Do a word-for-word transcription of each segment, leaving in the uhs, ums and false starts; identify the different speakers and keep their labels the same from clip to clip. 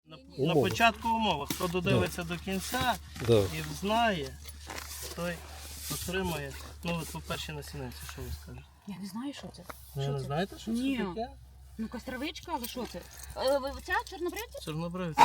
Speaker 1: На, на початку умови, хто додивиться да. до кінця
Speaker 2: да.
Speaker 1: і знає, той отримає. Ну от по першій насінинці, що ви скажете?
Speaker 3: Я не знаю, що це.
Speaker 1: Ви
Speaker 3: Що
Speaker 1: не
Speaker 3: це?
Speaker 1: знаєте, що
Speaker 3: Ні.
Speaker 1: це таке?
Speaker 3: Ну, костровичка, але що це? Е, ви- Ця чорнобривця?
Speaker 1: Чорнобривці.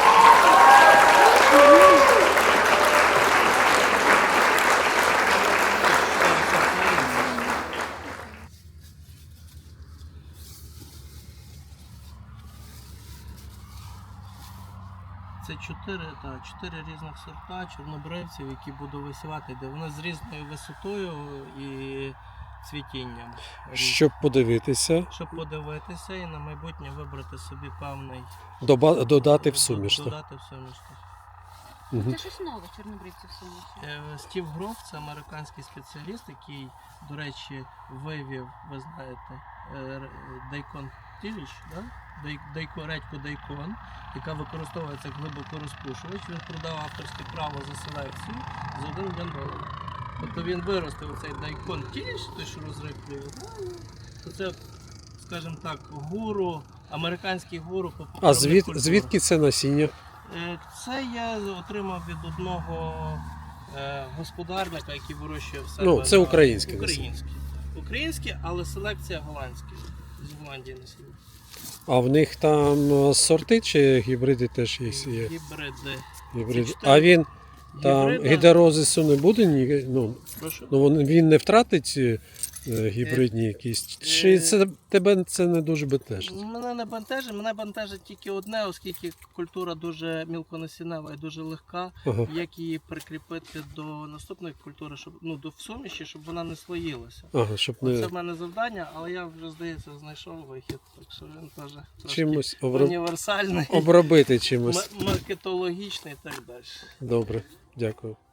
Speaker 1: Це чотири, та, чотири різних сорта чорнобривців, які буду висівати, де вони з різною висотою і цвітінням.
Speaker 2: Щоб подивитися,
Speaker 1: Щоб подивитися і на майбутнє вибрати собі певний...
Speaker 2: доба- додати в суміш. так?
Speaker 1: Додати в суміш. так.
Speaker 2: Мгм.
Speaker 3: Це щось нове, чорнобривці в суміші.
Speaker 1: Е, Стів Гроф – це американський спеціаліст, який, до речі, вивів, ви знаєте, е, дайкон тіліч, да? Дай- дайко, редьку дайкон, яка використовується як глибокорозпушувач. Він продав авторське право за селекцію за один мільйон доларів. Тобто він виростив цей дайкон тіліч, той, що розриплює, то це, скажімо так, гуру, американський гуру по
Speaker 2: А
Speaker 1: покривних
Speaker 2: звід,
Speaker 1: культурах.
Speaker 2: звідки це насіння?
Speaker 1: Е, Це я отримав від одного е, господарника, який вирощує в себе.
Speaker 2: Ну, це
Speaker 1: на-
Speaker 2: українське
Speaker 1: Українське. Українське, але селекція голландська. З Голландії насіння.
Speaker 2: А в них там е, сорти чи гібриди теж є? є?
Speaker 1: Гібриди.
Speaker 2: Гібриди.
Speaker 1: Це чотири
Speaker 2: А він там
Speaker 1: гібрида.
Speaker 2: гідрозису не буде? Ні, ну,
Speaker 1: Прошу?
Speaker 2: ну він- він не втратить е, гібридні якісь? Чи
Speaker 1: е,
Speaker 2: це, тебе це не дуже бентежить?
Speaker 1: Мене не бентежить, мене бентежить тільки одне, оскільки культура дуже мілконасінева і дуже легка.
Speaker 2: Ага.
Speaker 1: Як її прикріпити до наступної культури, щоб ну до в суміші, щоб вона не слоїлася.
Speaker 2: Ага, щоб
Speaker 1: Це
Speaker 2: не
Speaker 1: в мене завдання, але я вже, здається, знайшов вихід, так що він теж трошки
Speaker 2: чимось оброб...
Speaker 1: універсальний,
Speaker 2: обробити чимось.
Speaker 1: м- маркетологічний і так далі.
Speaker 2: Добре, дякую.